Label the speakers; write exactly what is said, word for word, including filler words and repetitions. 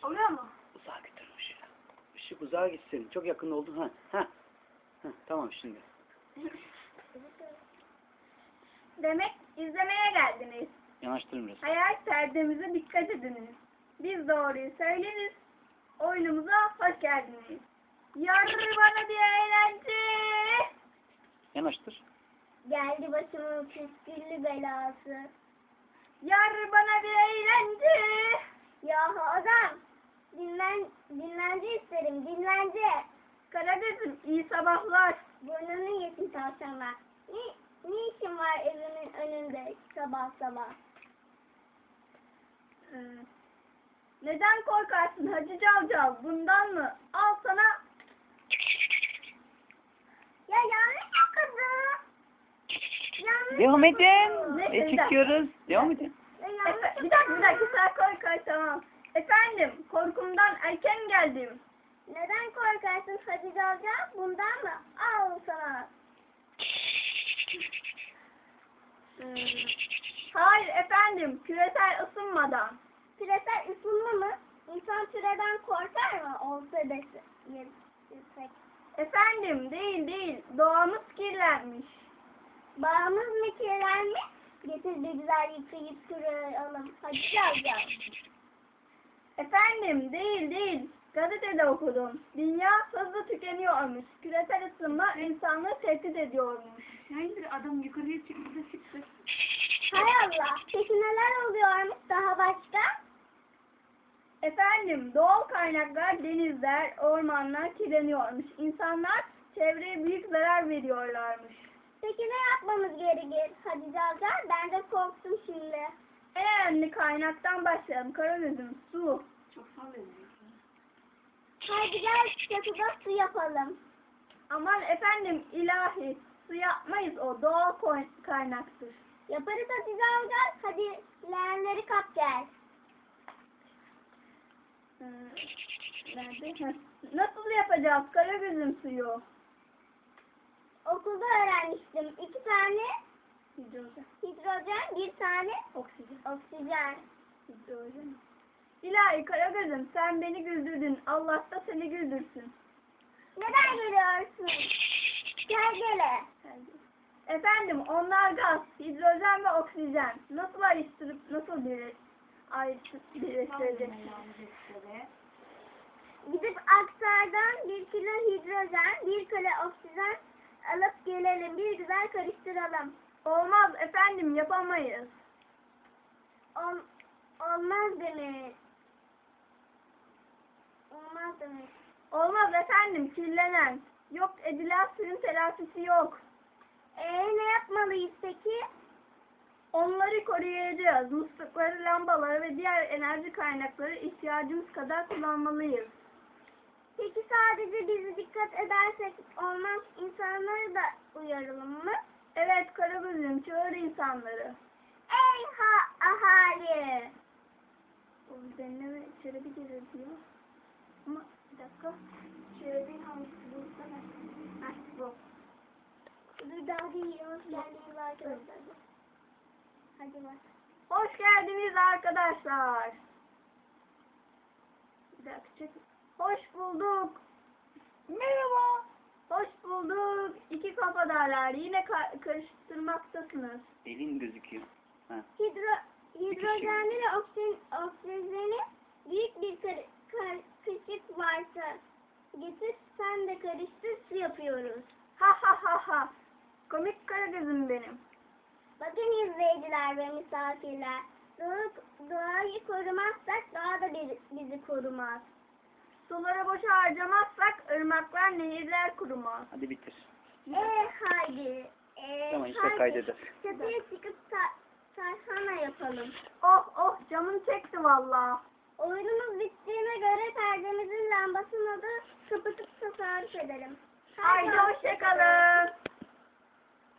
Speaker 1: Oluyor mu?
Speaker 2: Uzağa götür ışığı. Işık uzağa gitsin. Çok yakın oldun. Ha, ha. Ha, tamam şimdi.
Speaker 1: Demek izlemeye geldiniz.
Speaker 2: Yanaştırın biraz.
Speaker 1: Hayal perdemize dikkat ediniz. Biz doğruyu söyleriz. Oyunumuza hoş geldiniz. Yar bana bir eğlence.
Speaker 2: Yanaştır.
Speaker 1: Geldi başımın püsküllü belası. Yar bana bir eğlence. Ya adam, dinlen, dinlence isterim, dinlence. Karagöz'üm iyi sabahlar. Burnunu yesin tavşanlar. Ne, ne işin var evimin önünde sabah sabah? Ee, neden korkarsın Hacı Cavcav? Bundan mı? Al sana. Ya yanlış okudum. Yanlış
Speaker 2: Devam edin.
Speaker 1: okudum.
Speaker 2: E,
Speaker 1: Ne-
Speaker 2: çekiyoruz. Devam edin.
Speaker 1: Efe, bir dakika bir dakika sen koy koy tamam. Efendim korkumdan erken geldim. Neden korkarsın Hacı Cavcav? Bundan mı? Al sana. Hmm. Hayır efendim küresel ısınmadan. Küresel ısınma mı? İnsan süreden korkar mı? Olsa dese. Yüksek. Efendim değil değil. Doğamız kirlenmiş. Bağımız mı kirlenmiş? Getir bir güzel yıkayıp kıralım. Hadi Cavcav. Efendim değil değil. Gazetede okudum. Dünya hızlı tükeniyormuş. Küresel ısınma insanlığı tehdit ediyormuş.
Speaker 3: Yani bir adam yukarıya çıktı da çıktı.
Speaker 1: Hay Allah. Peki neler oluyormuş daha başka? Efendim doğal kaynaklar, denizler, ormanlar kirleniyormuş. İnsanlar çevreye büyük zarar veriyorlarmış. Peki ne yapmamız gerekir Hacı Cavcav? Ben de korktum şimdi. En önemli kaynaktan başlayalım. Karagöz'üm su.
Speaker 3: Çok sallıyor.
Speaker 1: Hadi gel çatıda su yapalım. Aman efendim ilahi. Su yapmayız o. Doğal koy- kaynaktır. Yaparız Hacı Cavcav. Hadi leğenleri kap gel. Ee, nerede? Heh. Nasıl yapacağız Karagöz'üm suyu? Okulda öğrenmiştim. İki tane hidrojen, hidrojen bir tane oksijen. Oksijen. Hidrojen. İlahi Karagöz'üm sen beni güldürdün. Allah da seni güldürsün. Neden gülüyorsun? Gel gele. Efendim onlar gaz, hidrojen ve oksijen. Nasıl ayrıştırıp nasıl bir ayrıştırıp birleştireceksiniz? Gidip aksardan bir kilo hidrojen, bir kilo oksijen alıp gelelim. Bir güzel karıştıralım. Olmaz efendim yapamayız. Ol, olmaz demek. Olmaz demek. Olmaz efendim kirlenen. Yok edilen suyun telafisi yok. Eee ne yapmalıyız peki? Onları koruyacağız. Muslukları, lambaları ve diğer enerji kaynakları ihtiyacımız kadar kullanmalıyız. Peki sadece bizi dikkat edersek olmaz, insanları da uyaralım mı? Evet Karagöz'üm çağır insanları. Ey ha ahali! O deneme şöyle bir gelir diyor. Ama bir dakika. Şöyle bir hangisi bulsana. Heh bu. Dur daha değil. Hoş geldiniz arkadaşlar. Hadi bak. Hoş geldiniz arkadaşlar. Bir dakika çek. Hoş bulduk. Merhaba. Hoş bulduk. İki kafadarlar. Yine ka- karıştırmaktasınız.
Speaker 2: Elin gözüküyor. Ha.
Speaker 1: Hidro hidrojenli ve oksijen, oksijeni büyük bir kar kar kaşık varsa getir sen de karıştır su yapıyoruz. Ha ha ha ha. Komik Karagöz'üm benim. Bakın izleyiciler ve misafirler. Doğa, doğayı korumazsak doğa da bir, bizi korumaz. Suları boşa harcamazsak ırmaklar, nehirler kurumaz.
Speaker 2: Hadi bitir.
Speaker 1: Eee haydi. Ee,
Speaker 2: Tamam işte
Speaker 1: haydi.
Speaker 2: kaydeder.
Speaker 1: Çatıya çıkıp ta tarhana yapalım. Oh oh canım çekti valla. Oyunumuz bittiğine göre perdemizin lambasını da kapatıp tasarruf edelim. Haydi hoşçakalın.